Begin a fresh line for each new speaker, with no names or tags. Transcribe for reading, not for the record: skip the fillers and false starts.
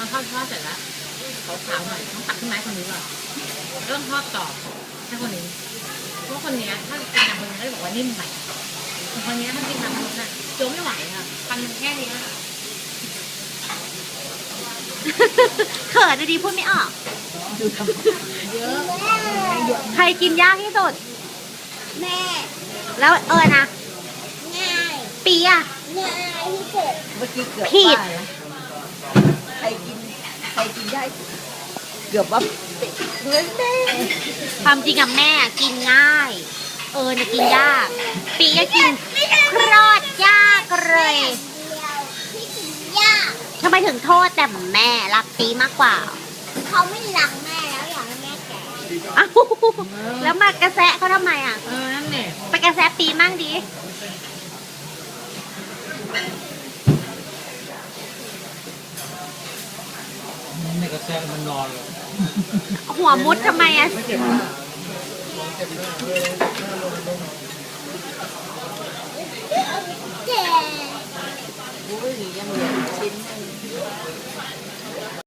อทอดเสร็จแล้วขาวๆหน่อยต้องตักขึ้นไม้คนนี้ก่อนแล้วต้องทอดต่อให้คนนี้เพราะคนนี้ถ้ากินตามคนนี้ก็จะบอกว่านิ่มไปคนนี้ถ้ากินตามคนน่ะโจ๊ไม่ไหวค่ะฟันมันแค่นี้
เขินดีพูดไม่ออก
ดูทำเยอะเยอะ
ใครกินยากที่สุด
แม่
แล้วนะ
ง่าย
ปีอะ
ง่ายที่สุด
เมื่อกี้เกือบ
ผิด
ว่านะใครกินได้เกือบว่าเหมือนแม่
ความจริงกับแม่กินง่าย นะกินยาก ปีก็กินคลอดยากเลย
เดียวที่กินยาก
ทำไมถึงโทษแต่แม่รักปีมากกว่า
เขาไม่รักแม่แล้วอยากให้แม่แก่
อ้าวแล้วมากระแซะเขาทำไมอ่ะ
นั่นเนี่ย
ไปกระแซะปีมั่งดิ
ไม่กระแซะมันนอนเลย
หัวมุดทำไมอ่ะ
ไม่เก็บ